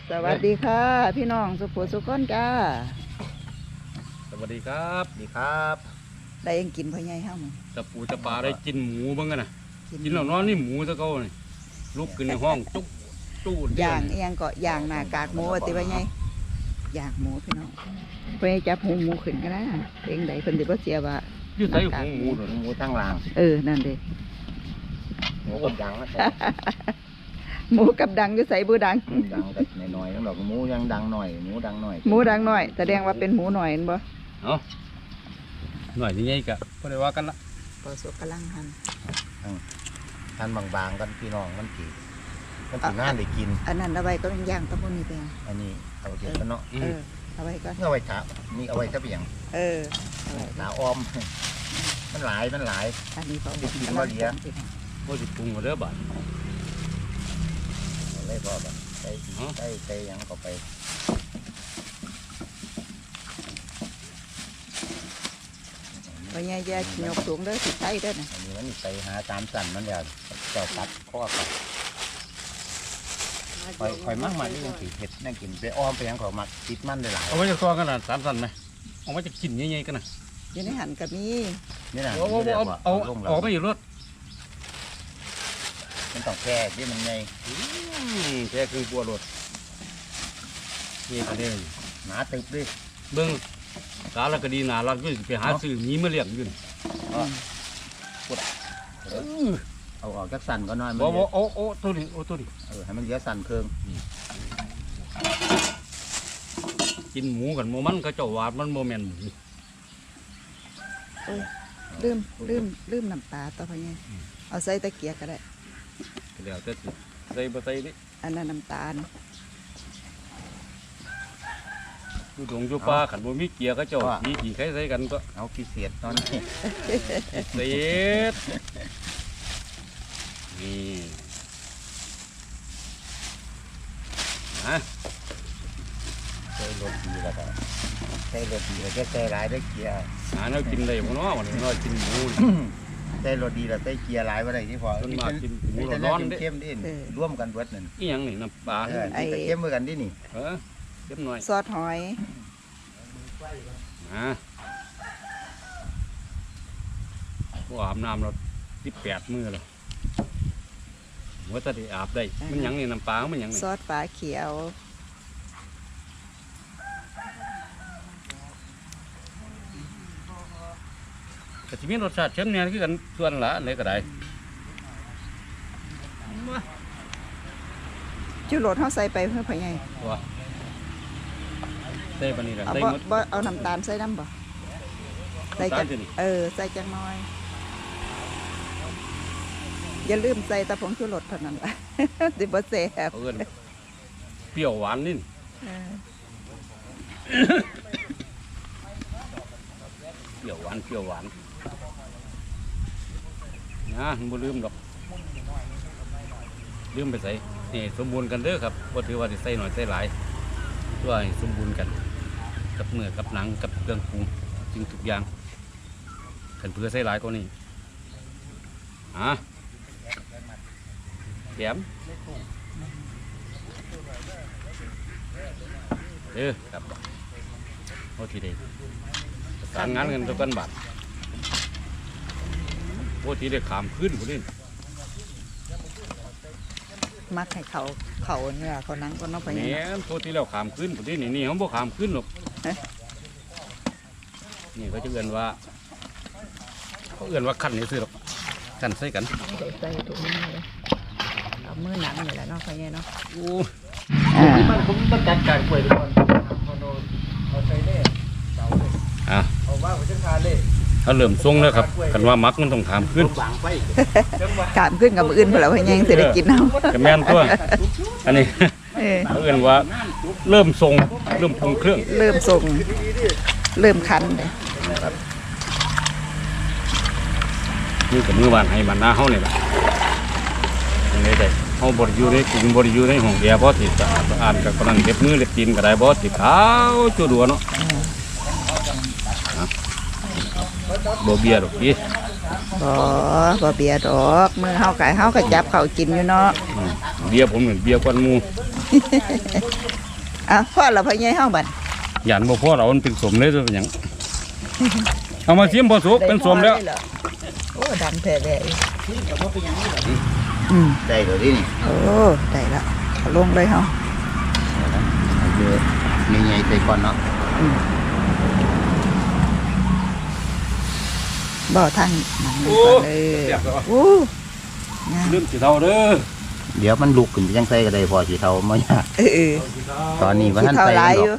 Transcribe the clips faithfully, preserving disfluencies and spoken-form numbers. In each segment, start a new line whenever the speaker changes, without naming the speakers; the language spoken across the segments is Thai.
สวัสดีค่ะพี่น้องสุขุสุขคนจ้า
สวัสดีครับดีครับ
ได้ยังกินพ่อใหญ่ห้ามึง
จะปูจะปลาได้กินหมูบ้างกันนะกินแล้วนอนนี่หมูซะเก้านี่ลุกขึ้นในห้องจุ๊บตู้
ย่างเอียงก็ย่างหน้ากากหมูติพ่อใหญ่ย่างหมูพี่น้องพ่อใหญ่จับหูหมูขึ้นกันนะเองใดเพิ่นสิบ่เสียว่า
อยู่ใส่หูหมู
หมูทั้งราง
เออนั่นเด้
หมูกับดังนะ
หมูกับดังอยู่ใส่บูดัง
ดังแต่หน่อยๆแล้วดอกหมูยังดังหน่อยหมูดังหน่อย
หมูดังหน่อยแสดงว่าเป็นหมูหน่อยเห็นบ่
เอ้าหน่อยยังไงกะบ่ได้ว่ากันละ
พอสุกกำลังหั่น
หั่นบางๆกันพี่น้องมันสิมันสิงานได้กิน
อันนั้นเอาไว้ก็ย่างตะพุ่นนี่แปลง
อันนี้เอาเดี๋ยวกันเนาะ
เออเอาไว้ก็
เอาไว้ถานี่เอาไว้ซะเปียง
เออ
หนาออมมันหลายมันหลาย
อันนี้เขา
ได้กินบ่เหลีย
บ่สิปรุงบ่เด้อบาด
เลยพอแบบใส่ใส่ใส่ยังเข้าไป
พ่อใหญ่จะยกสูงเด้อสิใส่เด้อน่ะ
อันนี้มันไปหาตามสั่นมันอย่าเจ้าตัดข้อไปคอยคอยมั่งมันนี่ยังสีเผ็ดนั่งกินไปอ้อมไปยังเขามักติดมันได้หลาย
เอาไว้จะซ้อกันน่ะสามสั่นไหมเอาไว้จะกินใหญ่ๆกันน่ะ
อยู่ในหั่นก็มี
นี่น่ะ
เอาเอาเอาออกไปอยู่รถ
มันต้องแค่ที่มันไง
แค่คือบัวรถนี่ก็ได้
หนาตึบดิ
เบิ่งกาลก็ดีน่ารักอยู่ไปหาซื้อหมีมาเลี้ยงอยู่นี่
เอาออกจากสั่นก็น้อยมัน
บ่บ่โอ้โอ้ตัวนี้โอ้ตัวนี้
เออให้มันเยอะสั่นเคือง
กินหมูกันโมมันก็เจ้าวาดมันโมแมนหมู
ลืมลืมลืมน้ำปลาต่อไปไงเอาใส่ตะเกียบก็ได้
เดี๋ยวจะใส่บ่ใส่ดิ
อันนั้นน้ำตาล
ดูดงจูปลาขันบ่มีเกียร์ก็เจ้ามีกี่ใครใส่กันก็
เอาพิเศษตอนนี้
พิเศษนี่ฮะ
ใส่รสดีแล้วก็ใส่รสดีแล้วก็ใส่หลายได้เกียร์
หาเนาะกินได้บ่เนาะวันนี้เนาะกินหมู
ใส่รสดีแล้วใส่เกียร์หลายบ่ได้ที่พอ
มันมากินหมูร้อนเด้
เข้มดิร่วมกันเบิดนั่น
อีหยังนี่น้ำปลา
ไอ้เข้มเหมือนกันดินี่
เออเข้มหน่อย
ซอสหอย
อ่าบ่อาบน้ำเราสิบแปดมื้อแล้วว่าจะได้อาบได้มันหยังนี่น้ำปลามันหยังนี่
ซอสปลาเขียว
ก็สิมีรสชาติเข้มเนี่ยคือกันส่วนละไหนก็ได้
จุโรดเขาใส่ไปเพื่อพ่อใหญ่
ว่าใส่ปานนี้แหละ
ใส่หมดบ่เอาน้ำตาลใส่น้ำบ่ใส่จังเออใส่จังน้อยอย่าลืมใส่ตะผงชูรสเท่านั้นละดิบเซ่บ
เอิ้นเปรี้ยวหวานนี่เปรี้ยวหวานเปรี้ยวหวานนะบ่ลืมดอกลืมไปใส่นี่สมบูรณ์กันเด้อครับบ่ถือว่าสิใส่หน่อยใส่หลายเพื่อให้สมบูรณ์กันกับเนื้อกับหนังกับเครื่องปรุงสิ่งทุกอย่างคันเพื่อใส่หลายกว่านี้ฮะแถมเออครับโอทีเดียวประสานงานกันทุกกันบาทโอทีเดียวขามขึ้นคนนี้
มักให้เขาเขาเนื้อเขานังก็น้องไป
เนี่ยโอทีแล้วขามขึ้นคนนี้นี่นี่เขาบอกขามขึ้นหรอกนี่เขาจะเอื่นว่าเขาเอื่นว่าขั้นนี่ซื้อหรอกขั้นใส่กัน
ใส่ถุงมือเลยเอามือหนังนี่แหละเนาะไปไงเนาะ
โอ้
มันผมต้องจัดการป่วยทุกคนเอาใส่เล่เสาเลย
อ่ะ
เอาว่าไปจังคาเล่
ถ้าเริ่มทรงแล้วครับกันว่ามักมันต้องขามขึ้น
ขามขึ้นกับมืออื่นเพื่อเราให้ยังเสร็จกินเอา
กับแม่นตัวอันนี้เขาเอื่นว่าเริ่มทรงเริ่มปรุงเครื่อง
เริ่มทรงเริ่มคันเลย
นี่กับมือวานให้มันหน้าเขาเนี่ยแหละยังไงได้เขาบริยูในกลุ่มบริยูในห้องแอร์บอสติดอ่านกับกำลังเล็บมือเล็บตีนก็ได้บอสติดเท้าจุดดัวเนาะบ่เบียดหรอกพี่
บ่บ่เบียดดอกมือเฮาไก่เฮาก็จับเขากินอยู่เนาะ
เบียผมเหมือนเบียกวนมู
เอาพ่อเราพ่อใหญ่เฮาบัด
หยันบ่พอเรามันเป็นสมเลยตัวเป็นหยังเอามาชิมพอสุกเป็นสมแล้ว
โอ้ดังแท้แท้อืม
ได้เลยดินี่
โอ้ได้ละเอาลงเลยเฮา
เอาเยอะใหญ่ๆใส่ก่อนเนาะ
บ่ทางนั่นนี่ก่อนเลยโอ้งาม
ลืมสิเท่าเด้อ
เดี๋ยวมันลุกขึ้นไปจังไสก็ได้พอสิเท่าบ่ยาก
เออเออ
ตอนนี้ว่า
สิ
ท่าน
เท่า
ใส่
หลาย
ด
อ
อก
ยู่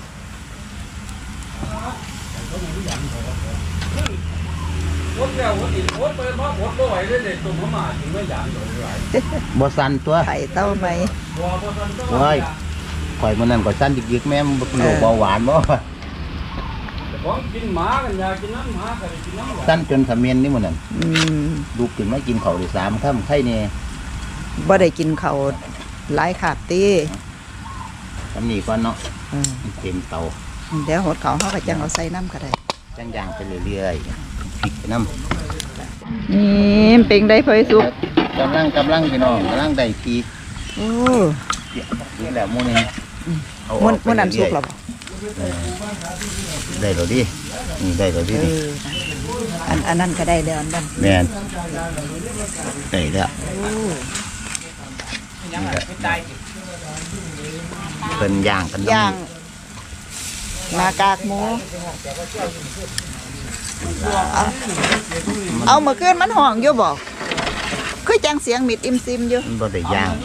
วดแล้ววดอีกวดไปมาวดบ่ไหวเลยเด็กตุ่มมาถึงไม่หยานหลาย
บ่สั่นตัว
ไข่เต้าไหม
บ่บ่ทันต้อง
โอ้ยข่อยมื้อนั้นก็สั่นยึกๆแม่มันเป็นโรคเบาหวานบ่
ของกินหมากันอยากกินน้ำหมาก็ได้กินน้ำหมา
สั่นจนขมิ้นนี่มื้อนั้น
อืม
ลุกขึ้นมากินข้าวได้สามค่ำไข่แน่
บ่ได้กินข้าวหลายขาบตี
ทำนี่ก่อนเนาะ
เออ
เต็มเตา
เดี๋ยวหดเขาเขาก็จังเอาใส่น้ำก็ได้
จังย่างไปเรื่อยๆพริกไปน้ำ
นี่เป็นได้พอยสุก
กำลังกำลังพี่น้องกำลังได้ที
โอ้
นี่แหละหมูนี่เอาอ
มัน
อกไป
มันนั่นสุก
เรื่
แล้
อ
วย บ่
ๆได้แล้วดินี่ได้แล้วดิ
เอ
นี่
ออันอันนั้นก็ได้แล้วอันนั้น
แม่นได้แล้ว
โอ้
นี่แหละเพิ่นย่างกัน
ย่างหน้ากากหมูเอาเอาเมื่อคืนมันห้องอยู่บ่คือจังเสียงมิดอิมซิมอยู่
มันบ่ได้ย่าง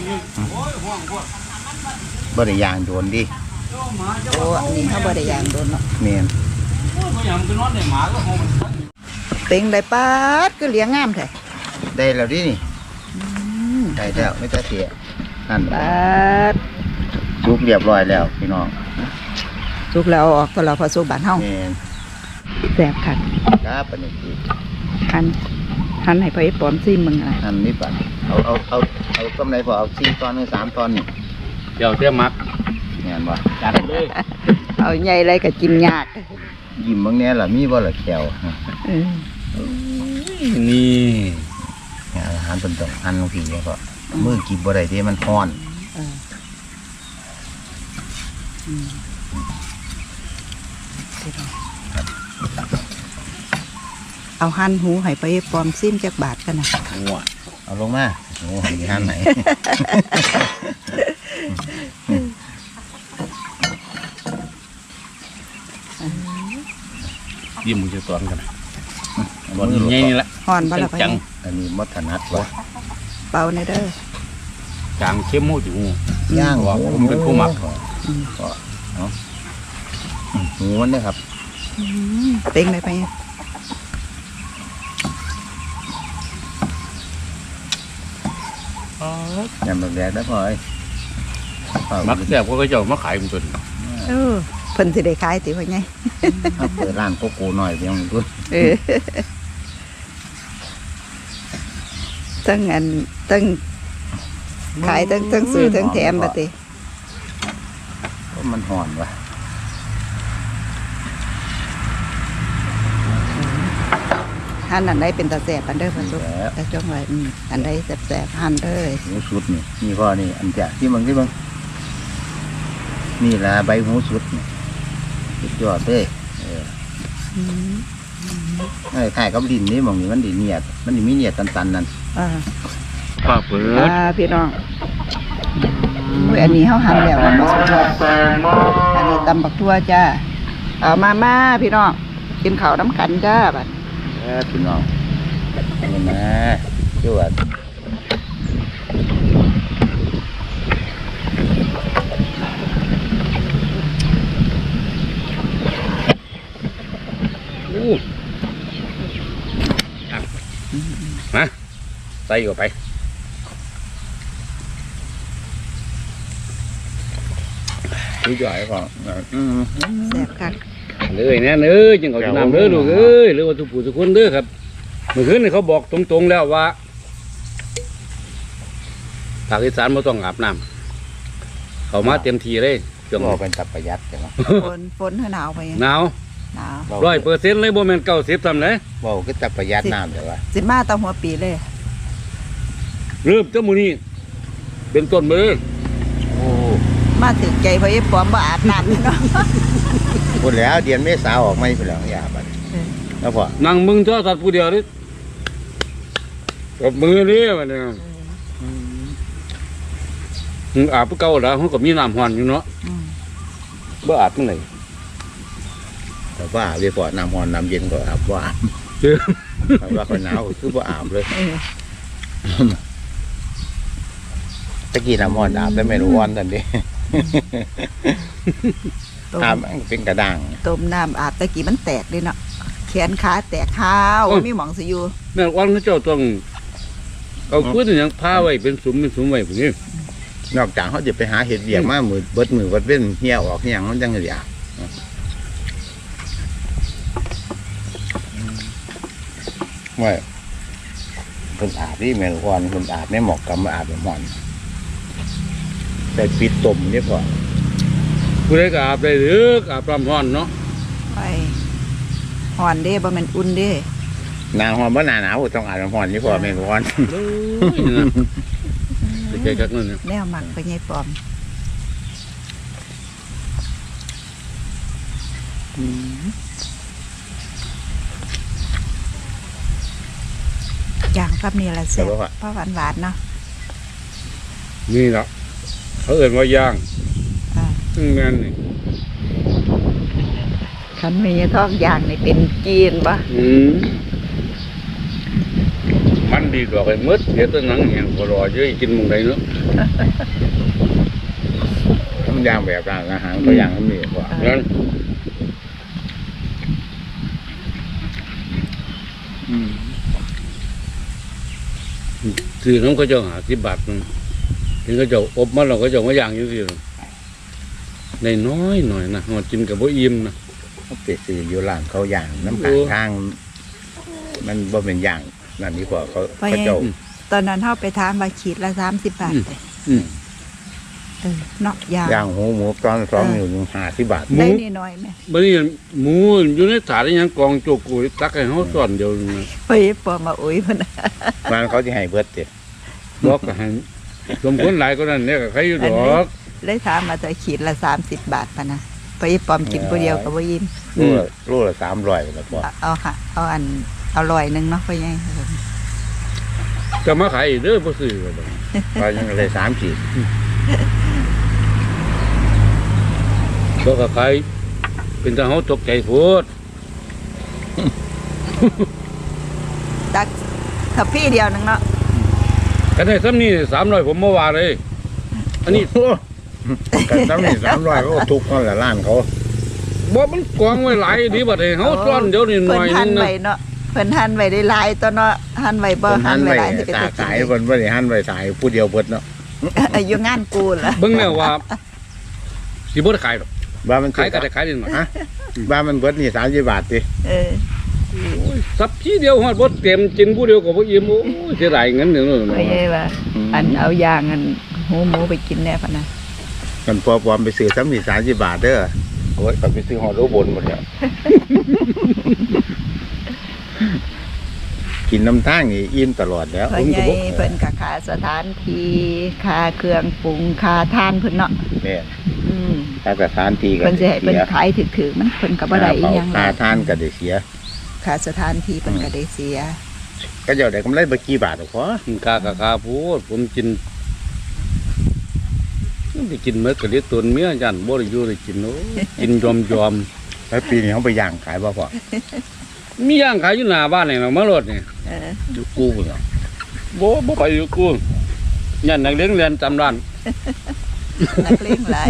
บ่ได้ย่างโดนดิ
โอ้อันนี้เขาบ่ได้ย่างโดนเนาะ
แม่น
ก็ยังกินนอนในหมาก็คง
เป็นได้ปาดก็เลี้ยงงามแท้
ได้แล้วดินี่ได้แล้วไม่ต้องเสียนั่น
ปาด
สุกเรียบร้อยแล้วพี่น้อง
สุกแล้วเอาออกก็เราพอสุกบ้านเฮา
แม่น
แซ่บคัก
ครับปานนี้คือ
หันหันให้พ่อไอ้ปอมซิมมึงอ่ะ
อันนี้ปัดเอาเอาเอาเอากำไรพอเอาสี่ตอนหรือสามตอนนี่
เดี๋ยวเตี้ยมัก
แม่นบ่
จัดเลย
เอาใหญ่ไรก็กินยาก
ยิ้มบางแน่ล่ะมีบ่ล่ะแขว
เออ
นี่
เนี่ยอาหารเป็นต้องหั่นลงทีแล้วก็มือกินบ่ได้เด้มันร้อน
เอออืมเอาหั่นหูให้พ่อไอ้ปอมซิมจักบาทกันนะ
หัว
เอาลงมาโอ้มีหั่นไหน
ยิ้มมือจะตอนกันตอนนี้นี่แหละ
ห่อนบ่ล่ะพ่อ
จั
ไอ้
ง
อันนี้มดถนัดวะ
เป่าในเด้อ
จางเข้มมูอยู่
ย่าง
ว่าผมเป็นผู้มัก
อืม
ก็เอาอืมหูมันเนี่ยครับ
อืมเต็งเลยไปเนี่ย
ยำแดกๆได้พอไอ้เอา
มักแซ่บก็เจ้ามาขายเป็นตัว
เออเพิ่นสิได้ขายติว่าไง
เอาเปิดร้านโกโก้หน่อยเพียงตัว
เออตั้งอันตั้งขายตั้งตั้งซื้อตั้งแถมบัดติ
เพราะมันห่อนวะ
หั่นอันใดเป็นตาแสบอันเด้อเพิ่นสุก
แล้ว
แต่จ้องไว้อืมอันใดแสบๆหั่นเด้อ
หูสุดนี่นี่พ่อนี่อันจะที่มึงที่มึงนี่ละใบหูสุดนี่สุดยอดเลยเออ
อืม
ไอ้ข่ายกับดินนี่มองนี่มันดินเนียดมันดิมีเนียดตันๆนั่น
อ่า
ป้าเปิด
อ่าพี่น้องอุ้ยอันนี้เฮาหั่นแล้วมันบ่สุกแล้วอันนี้ตำบักทั่วจ้าเอามามาพี่น้องกินข้าวน้ำกันจ้าบัด
เออพี่น้องนี่นะจวด
อู้มาใส่เข้าไปดูจ่อยก่อน
อืม
แซ่บคัก
เลยเนี่ยเอ้ยจังเขาจะนำเด้อลูกเอ้ยหรือว่าทุกผู้ทุกคนเด้อครับเมื่อคืนนี่เขาบอกตรงๆแล้วว่าภาคอีสานไม่ต้องอาบน้ำเขามาเต็มทีเลยช่วง
ก็เป็นตับประหยัดใช่ไหม
ฝนฝนเฮาหนาวไปยัง
หนาว
หนาว
ร้อยเปอร์เซ็นต์เลยโมเมนต์เก้าสิบทำเลย
บอกก็ตับประหยัดน้ำแต่ว่า
สิมาตอนหัวปีเลย
เริ่มเจ้ามูนี่เป็นต้นมาเลย
ถึงใจเพราะไอ้ปอมบ่อาบน้ำเนาะ
พูดแล้วเดือนเมษาออกไม่ไปแล้วอย่าบัดแล้วพอ
นั่งมึงโทรศัพท์ผู้เดียวนี่กับมือนี่มันเนี่ยมึงอาบผู้เก่าแล้วเขาก็มีน้ำหอนอยู่เนาะ
อืม
บ่อาบเมื่อไหร่
แต่ว่าเวพอน้ำร้อนน้ำเย็นก็อาบว่า
เจอ
แต่ว่าคนหนาวก็คือว่าอาบเลย
เออ
ตะกี้น้ำร้อนอาบแต่ไม่รู้วันตอนนี้
ต้ม
อาบมันเป็นกระด้าง
ต้มน้ำอาบตะกี้มันแตกเลยเนาะแขนขาแตกข้าวมีหมองสิอยู่
แม่วันเขาเจ้าต้องเอาพื้นอย่างผ้าไว้เป็นสุมเป็นสุมไว้พวกนี้
นอกจากเขาจะไปหาเห็ดเบียกมามือเบิดมือเบิดเว้นเหี้ยออกเหี้ยงมันจังเลยอาบว่าคนอาบนี่แม่นวันคนอาบไม่เหมาะกับมาอาบแบบหมอนแต่ปิดตุ่มนี่พอ
ผู้ใดก็อาบได้หรืออาบลำห้อนเนาะ
ไปห่อนเด้บ่แม่นอุ่นเด้
หนาหอนบ่หนาหนาวต้องอาบน้ำหอนนี่พอแม่นวัน
โอ้ยนะไปแก่กักนั่นเนี่ย
แนวหมักไปไงปอมอย่างครับนี่แหละแซ่บเพราะหวานหวานๆเนาะ
นี่แหละเขาเอ่นว่าย่าง
อ่า
ซึ่งแม่นนี่
คันมีทอกอย่างนี่เป็นจีนปะ
อืมมันดีกว่าไอ้มืดเดี๋ยวตัวหนังแห้งก็รอเยอะกินมึงได้เนาะ
ต้องย่างแบบร้านอาหารก็ย่างน้ำนี่พอ
งั้นคือน้องเขาเจ้าหาสิบบาทนึงถึงเขาเจ้าอบมาเราก็เจ้ามาย่างอยู่สิในน้อยหน่อยนะหอดกินกับบ่อิ่มนะ
เขาไปซื้ออยู่ร้านเขาย่างน้ำกลางทาง มันบ่เป็นย่างนั่นนี่พอเขาเขาเจ้า
ตอนนั้นเฮาไปทานมาขีดละสามสิบบาทเลย
อืม
เออเนาะยาง
ย่างหูหมูตอนสองอยู่หนึ่งห้าสิบบาท
หมู
ได้นิดหน่อยไหม
บัดนี้หมูอยู่ในถาดนี่ยังกองโจกุยตักให้เฮาซ่อนเดียวนึงนะ
เฮ้ยปอมาอุ้ยมัน
มันเขาจะให้เบิดเจ็ด
บอกก็ให้สมควรหลายก็นั่นเนี่ยก็ใครอยู่ดอก
ได้ถามมาแต่ขีดละสามสิบบาทปะนะไปปอมกินผู้เดียวกับว่ายิ้ม
รูละรูละสามร้อยแล้วพอ
เอาเอาค่ะ เอาอันเอาลอยหนึ่งเนาะพ่อใหญ่
จะมาขายอีกเด้อบ่ซื้อก็บ่
ก็ยังเลยสามขีด
บ่ก็ขายเป็นทางเฮาตกใจโพด
ตักถ้าพี่เดียวหนึงเนาะ
กันได้ซ้ำนี่สามร้อยผมบ่ว่าเลย อันนี้
กันตั้งนี่สามร้อยก็ทุกคนละล้านเขา
บ่มันกองไว้หลายดีบัดนี้เฮาซ่อนเดี๋ยวนี้ห
เพิ่
น่
น
อย
หั
นึ
น
งนะ
ไว้เนาะเพิ่นหันไว้ได้หลายตัวเนาะหันไว้บ่
คน
หั
หั
น
น
ไว้
ไว้
หลายสิเป็น
ตา
ตะ
ขาย
กิน
คนบ่ได้หันไว้ขายผู้เดียวเบิดเนาะ
อายุงานกูล่ะ
เบิ่งแนวว่าสิบ่ได้ขายหรอก
ว่ามัน
ขายก็ได้ขายนิดหน่อย
ฮะว่ามันเบิดนี่สามสิบบาทสิ
เออ
โอ้ยสับทีเดียวฮอดบ่เต็มกินผู้เดียวก็บ่อิ่มโอ้ยเสียดายเงินเดี๋ยวนั้น
พ่อใหญ่ว่าอันเอายางอันหูหมูไปกินแน่พะนะ
กันพอปลอมไปซื้อซ้ำนี่สามสิบบาทเด้อโอ้ยก็ไปซื้อหอดโลบนหมดแล้ว กินน้ำตั้งนี่อิ่มตลอดแล้ว
พ่อใหญ่เพิ่นก็ค่าสถานที่ค่าเครื่องปรุงค่าทานเพิ่นเนาะ
แม่
อืม
ถ้าสถานที่ก็
เพิ่นสิให้
ได้
เพิ่น
เสีย
ขายถึกๆมันเพิ่นก็บ่ได้อีหยัง
ค่าทานก็ได้เสีย
ค่าสถานที่เพิ่นก็ได้เสีย
ก็เจ้าได้กำไรบ่กี่บาทหรอกพอ
กินกากะคาพูดผมกินไปกินเมื่อกะเรียกตนเมียยันบ่ได้อยู่ได้กินโอ้ยกินยอมยอม
แล้วปีนี้เขาไปย่างขายบ่พอ
ๆมีย่างขายอยู่หน้าบ้านนี่นะมารถนี่
เออ
อยู่กู้พุ่นเนาะ
บ่บ่ไปอยู่กูยันนักเลี้ยงเรียนจำร้าน
นักเลงหลาย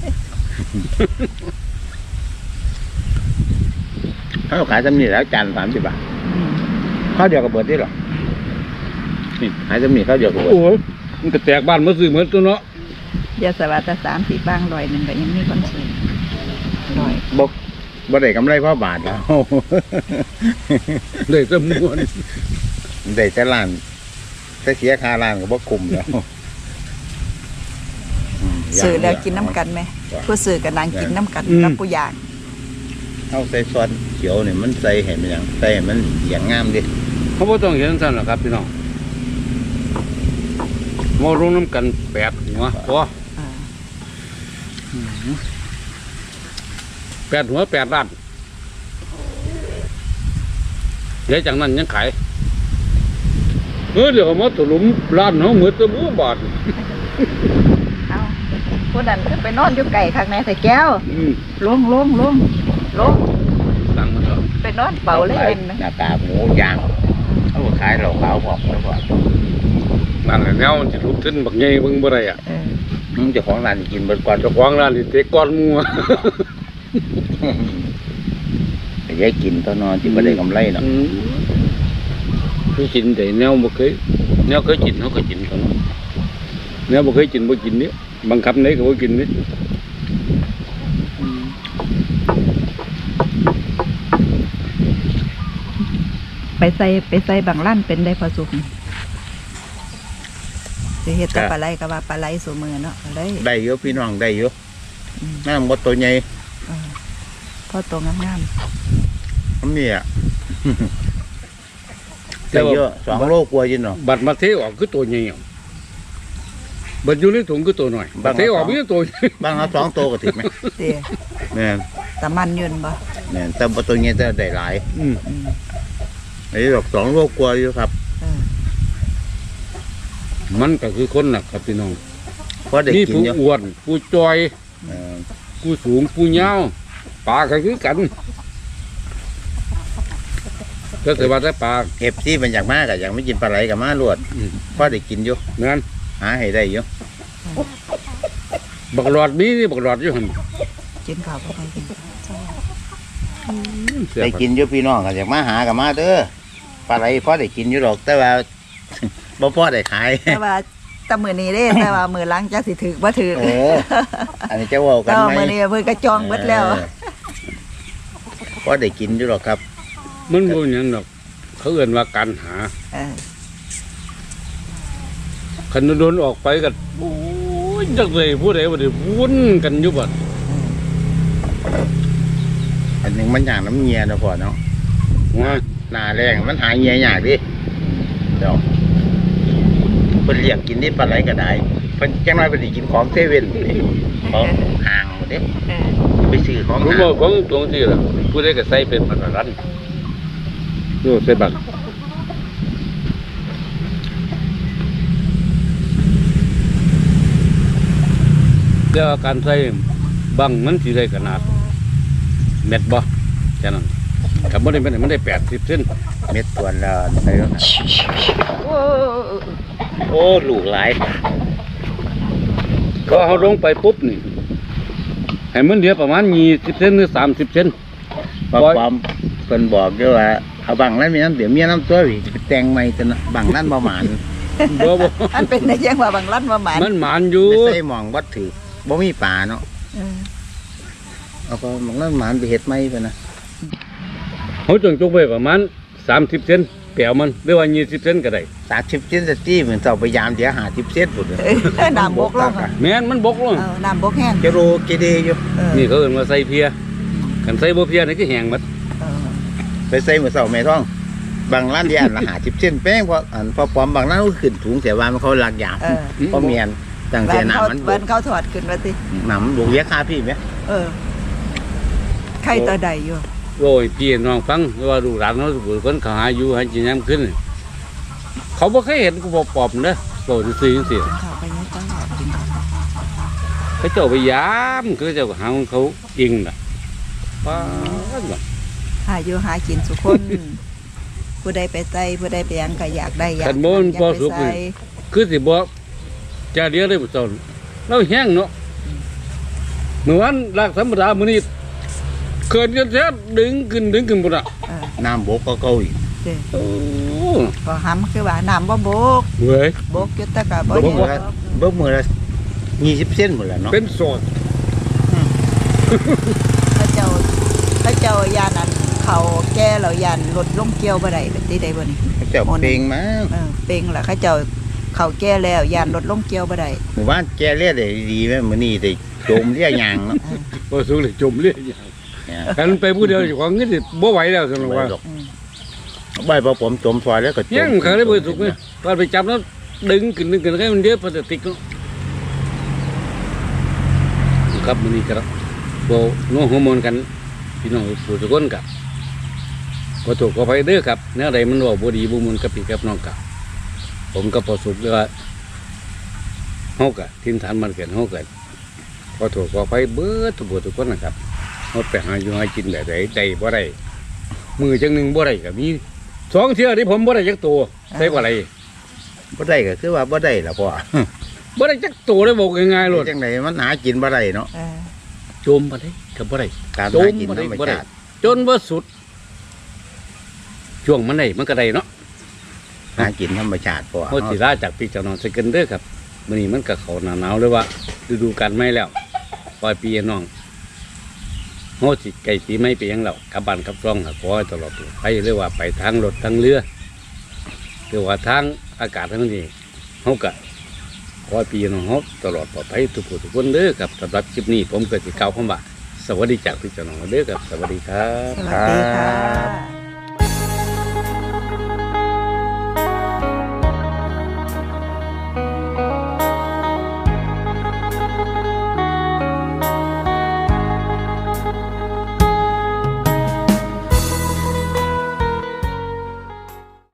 เขาขายซ้ำนี่แล้วจานสามสิบบาท
อืม
ข้าวเดียวกับเบิดได้หรอนี่ขายซ้ำนี่ข้าวเดียวกับเบิด
โอ้ยมันก็แตกบ้านมาซื้อเหมือนตัวเนาะ
อย่าสวัสดิ์สามสิบบางร้อยหนึงก็ยังมีคนซื้อร้อย
บ่บ่ได้กำไรเพราะบาทแล้ว
ได้แตะมวน
ได้แต่ล้านแต่เสียค่าล้านก็บ่คุ้มแล้วม
ซื้อแล้วกินน้ำกันไหมผู้ซื้อกับนางกินน้ำกันกับผู้ย่าง
เอาใส่ซอสเขียวนี่มันใส่ให้มันหยังใส่ให้มันอย่างงามดิ
เขาบ่ต้องเห็นซั่นหรอกครับพี่น้องมาลงน้ำกันแปดหัวพอ
อ่า
แปดหัวแปดล้านเดี๋ยวจากนั้นยังขายเออเดี๋ยวมาตลุมร้านเขาเหมือนตะบูบาท
เอาผู้นั้นก็ไปนอนอยู่ไก่ข้างในใส่แก้ว
อืม
ลงลงลงลง
ตังมันเถอะ
ไปนอนเป่าเลยเห็นไหม
หน้าตาหมูย่างเขาก็ขายเหล้าขาวพร้อมแล้วก็
นั่นแหละแนวมันจะลุกขึ้นบักใหญ่เบิ่งบ่ได้อ่ะ
เออ
มึงเจ้าของร้านกินเบิดก่อน
เจ้าของร้านนี่เตะก้อนหมัว
แต่ยายกินตอนนอนที่บ่ได้กำไรเนาะ
อืมคือกินแต่แนวบ่เคยแนวเคยกินเขาก็กินตอนนั้นแนวบ่เคยกินบ่กินนี่บังคับไหนก็บ่กินนี่
ไปใส่ไปใส่บางลั่นเป็นได้พอสุกสิเฮ็ดแตะปลาไหลก็ว่าปลาไหลสูมือเนาะเลย
ได้เยอะพี่น้องได้เยอะน้ำบ่ตัวใหญ่
เออพอตัวงาม
ผมนี่อ่ะ ได้เยอะสองโลกว่าจินเนาะ
บัดมาเทออกคือตัวใหญ่อะบัดอยู่ในถุงคือตัวน้อยบัดเทออกมีตัวใหญ่
บางเอาสองตัวก็ถึงไหม
ๆเด้
แม่น
ตะมันยืนบ่
แม่นแต่บ่ตัวใหญ่จะได้หลาย
อืม
อืม
ไอ้ดอกสองโลกว่าอยู่ครับ
เออ
มันก็คือคนน่ะครับพี่น้อง
เพราะได้
นี่
กิน
ผู้
เยอะ
อ้วนผู้จอย
เออ
ผู้สูงผู้ยาวปลาก็คือกันก็แต่ว่าได้ปลา
เอฟซีมันอยากมากอะอยากไม่กินปลาไหลกับมาลวด
อืม
เพราะได้กินอยู่
นั่น
หาให้ได้อยู่
บักหลอดมีนี่บักหลอดอยู่หั่น
กินข้าวบ่ค่อยกิน
เสีย
ได้
บ
กินอยู่พี่น้องก็อยากมาหากับมาเด้อปลาไหลเพราะได้กินอยู่หรอกแต่ว่า บ่พอได้ขาย
แต่ว่าแตะมื้อนี้เด้แต่ว่ามื้อหลังจักสิถึกบ่ถึก
เออ อันนี้จะเว่ากั
แต่
น
ว่า
ไหม
มื้อนี้เพิ่นก็จองเบิดแล้ว
เออเพราะได้กินอยู่หรอกครับ
มันบ่หยังดอกเขาเอื่นว่าการหา
เออ
คันโดนออกไปกันโอ้ยจักเลยผู้ใดบ่ได้วุ่นกันอยู่บัด
อันหนึงมันอย่างน้ำเงียนะพ่อเนาะ
ว่า
หน้าแรงมันหายเงียยากดิเดี๋ยวเพิ่นเรียกกินนี่ปลาไหลก็ได้เพิ่นจังไรเพิ่นสิกินของเซเว่นนี่ของห่างหมดเด้
เออ
ไปซื้อของ
ผม
ห่าง
บอกของตรงที่ล่ะผู้ใดก็ใส่เป็นบัตรรันโยใส่บัตรเดี๋ยวการใส่บังมันสิได้ขนาดเม็ดบ่แค่นั้นกับบ่ได้มันมันได้แปดสิบเซน
เม็ดส่วนละไปแล้วนะ
โอ้
โอ้ลูกหลาย
ก็เอาลงไปปุ๊บนี่ให้มันเหลือประมาณยี่สิบเซนหรือสามสิบเซน
ปอความเพิ่นบอกด้วยว่าเอาบังนั้นมีน้ำเดี๋ยวเมียน้ำตัวอีกไปแต่งใหม่ตัวนะบังนั้นบ่หมาน
บ่บ่
อันเป็นได้ยังว่าบางลั่นว่าหมาน
มันหมานอยู่
ไปใส่หมองวัดถือบ่มีป่าเนาะ
เออ
เอาก็บังนั้นหมานไปเฮ็ดใหม่ไปนะ
เขาจงจงไปประมาณสามสิบเซนแปลวมันหรือว่ายี่สิบเซนก็ได้
สามสิบเซนสตี้เหมือนเจ้าพยายามเดี๋ยวหาสิบเซนหมดเลย
เออน้ำบกลงอะ
แม่นมันบกลง
เออน้ำบกแห้ง
จะโรเกเดอยู่
เออ
นี่เขาเอิ้นว่าใส่เพียกันใส่บ่เพียนี่ก็แห้งหมด
เออ
ไปใส่เหมือนเสาแม่ท้องบางร้านเดียนละหาสิบเซนแป้งเพราะอันพอปลอมบางร้านก็ขึ้นถุงเสียว่ามันเขาหลักอย่าง
เออ
เพราะเมียนตั้ง
บ้า
เสีย
น
หนา
เขา
มันบ
บ้านเขาถอดขึ้นว่าติ
หนำบุกเวียคาพี่ไหม
เออใครตัวใดอยู่
โอ้ยพี่น้องฟังว่าลูกหลานเขาสุคนเขาหาอยู่ให้กินน้ำขึ้น เขาบ่เคยเห็นกูบ่ปอบเด้อโตซื่อๆจังซี่
กินข้าวไปเนี่ยจ้ากินข้าว
เขาเจ้าไปยามเขาเจ้าก็หาของเขาเองน่ะป้าดน่ะ
หาอยู่หากินสุคน ผู้ใดไปใส่ผู้ใดไปหยังก็อยากได้อยาก
คันบ่มันพอสุก
อยาก
นี่
ไปใส่
คือสิบ่จะเดียวได้บ่เจ้าเราแห้งเนาะเมื่อวานลากธรรมดามื้อนี้เกินกันแท้ดึงขึ้นดึงขึ้นบ่น่ะ
เออ
น้ำบกก็เก่าอีก
เด้
โอ้
พอหำคือว่าน้ำบ่บก
เว้ย
บกอยู่แต่ก็บ่
เบิ้
เห็น
มือละเบิ้มือละยี่สิบเซนหมดแล้วเนาะ
เป็นโสด
พระเจ้าพระเจ้ายานอันเขาแก่เรายานรถลงเกี่ยวบ่ได้เป็นที่ใดบ่นี่
เจ้าเพลงมา
เออเป่งล่ะเขาเจ้าเขาแก่แล้วยานรถลงเกี่ยวบ่ได้
หมู่บ้านแกเรียกได้ดีไหมมื้อนี้ได้โจมเรียกยางเนาะ
บ่สุกเลยจมเลย
เนี่ย
กันไปผู้เดียวเจ้าของเงินสิบ่ไหวแล้วซั่นว่า
อืม
ใบพอผมจมซอยแล้วก็จม
ยังเขาได้บ่สุกนี่ตอนไปจับแล้วดึงขึ้นดึงขึ้นให้มันเดือดพลาสติกเนาะครับมื้อนี้ก็บ่น้องฮอร์โมนกันพี่น้องผู้ทุกคนกับขอโทษขออภัยเด้อครับแนวใดมันเว้าบ่ดีบ่ม่วนกับพี่กับน้องกับผมก็พอสุขเลยว่าเฮาก็ทินฐานมันเกิดเฮาก็ขอโทษขออภัยเบิดทุกผู้ทุกคนนะครับเฮาไปหาอยู่หากินแบบใดได้บ่ได้มือจังหนึงบ่ได้ก็มีสองเที่ยที่ผมบ่ได้จักตัวใส่บ่ได้
บ่ได้ก็คือว่าบ่ได้ล่ะพ่อ
บ่ได้จักตัวเลยบอกง่ายๆโลด
จังไดมันหากินบ่ได้เนาะ
เออ
โจมบ่ได้ก็บ่ได้
การ
โจ
หาม กิน
บ่
ธ
ได้
รรม
บ่ได้
ชาติ
จนบ่สุดช่วงมันได้มันก็ได้เนาะ
หากินธรรมชาติพ่อ
โหสิลาจากพี่เจ้าน้องสกันเด้อครับมื้อนี้มันก็เข้าหน้าหนาวเลยว่าฤดูกาลใหม่แล้วปลายปีน้องโหสิไก่ปีใหม่ไปยังแล้วกลับบ้านกลับช่องก็ขอให้ตลอดไปเรียกว่าไปทางรถทางเรือหรือว่าทางอากาศทั้งนี้เฮาก็ขอให้พี่น้องเฮาตลอดปลอดภัยทุกผู้ทุกคนเด้อครับสำหรับคลิปนี้ผมก็สิกล่าวคำว่าสวัสดีจากพี่เจ้าน้องเด้อครับสวัสดีครับ
สวัสดีค่ะ